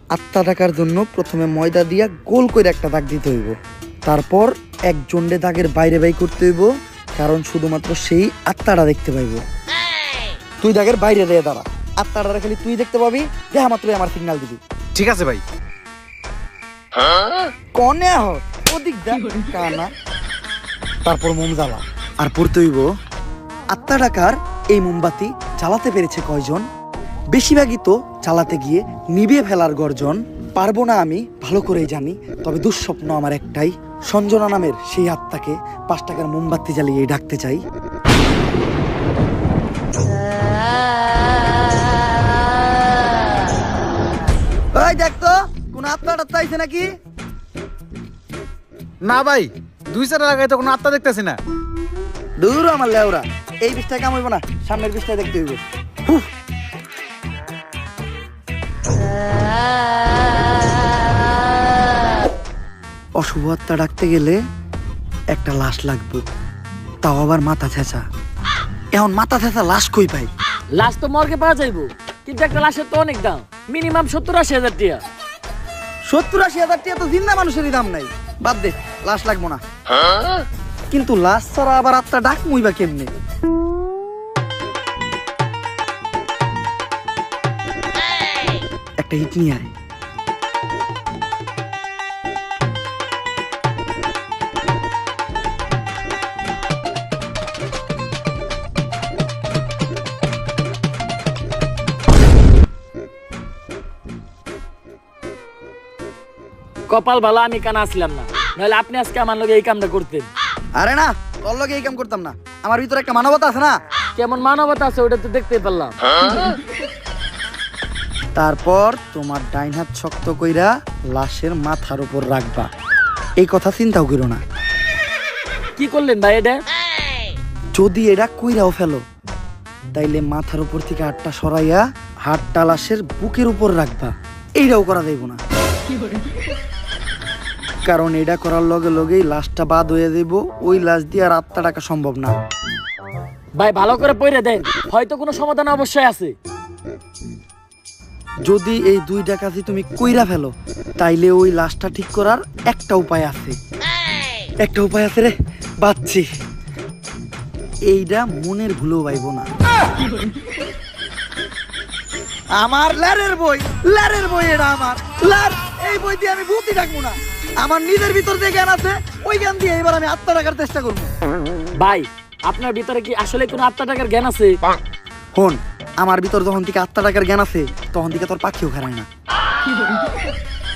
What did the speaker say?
আত্মা ডাকার জন্য প্রথমে ময়দা দিয়া গোল করে একটা দাগ দিতে হইব, তারপর একজনডে দাগের বাইরে বাই করতে হইব, কারণ শুধুমাত্র সেই আত্মাটা দেখতে পাইব। তুই দাগের বাইরে দিয়ে দাঁড়া, আত্মাটা খালি তুই দেখতে পাবি, দেখা মাত্রই আমার সিগন্যাল দিবি। ঠিক আছে ভাই। কনে ওদিক দেখ কানা। তারপর মোম জ্বালা আর পড়তে হইব আত্মা ডাকার এই মোমবাতি জ্বালাতে পেরেছে কয়জন, বেশিরভাগই তো জ্বালাতে গিয়ে নিভিয়ে ফেলার গর্জন। পারবো না আমি ভালো করেই জানি, তবে দুঃস্বপ্ন আমার একটাই, সঞ্জনা নামের সেই আত্মাকে 5 টাকার মোমবাতি জ্বালিয়ে ডাকতে চাই। ওই দেখ তো কোন আত্মা টাত্মা আইছে নাকি? না ভাই, 2-4 লাগাই তো কোনো আত্মা দেখতেছি না। দূর আমার লেওরা, এই বিষটায় কাম হইব না, সামনের বিষটায় দেখতে হইব। অশুভ আত্মা ডাকতে গেলে একটা লাশ লাগবে, তাও আবার মাথা ছেঁচা। এখন মাথা ছেঁচা লাশ কই পাই? লাশ তো মর্গে পাওয়া যাইব, কিন্তু একটা লাশের তো অনেক দাম, মিনিমাম 70-80 হাজার টাকা। 70-80 হাজার টাকা তো জিন্দা মানুষেরই দাম নাই, বাদ দে, লাশ লাগবো না। কিন্তু লাশ ছাড়া আবার আত্মা ডাক মুইবা কেমনে? একটা হিট নিয়ে আয়। কপাল ভালো আমি কানা আসলাম না, নাহলে আপনি আজকে আমার লগে এই কামটা করতেন। আরে না, তোর লগে এই কাম করতাম না, আমার ভিতরে একটা মানবতা আছে না। কেমন মানবতা আছে ওটা তো দেখতেই পারলাম। তারপর তোমার ডাইন হাত শক্ত কইরা লাশের মাথার উপর রাখবা, এই কথা চিন্তাও করো না। কি করলেন ভাই এটা? যদি এটা কইরাও ফেলো, তাইলে মাথার উপর থেকে হাতটা সরাইয়া হাতটা লাশের বুকের উপর রাখবা, এইটাও করা যাইব না, কারণ এটা করার লগে লগেই লাশটা বাদ হয়ে যাইব, ওই লাশ দিয়ে আর আত্মা ডাকা সম্ভব না। ভাই ভালো করে পড়ে দেন, হয়তো কোনো সমাধান অবশ্যই আছে। যদি এই 2টা কাজই তুমি কইরা ফেলো, তাইলে ওই লাশটা ঠিক করার একটা উপায় আছে। একটা উপায় আছে রে, বাচ্চি, এইটা মনের ভুলেও পাইব না। আমার ল্যারের বই এটা আমার ল্যার, এই বই দিয়ে আমি ভূতই ডাকবো না। আমার নিজের ভিতর যে জ্ঞান আছে ওই জ্ঞান দিয়ে এবার আমি আত্মা ডাকার চেষ্টা করবো। ভাই আপনার ভিতরে কি আসলে কোনো আত্মা টাকার জ্ঞান আছে? হন, আমার ভিতর যখন থেকে আত্মা ডাকার জ্ঞান আছে তখন থেকে তোর পাখিও খারায় না।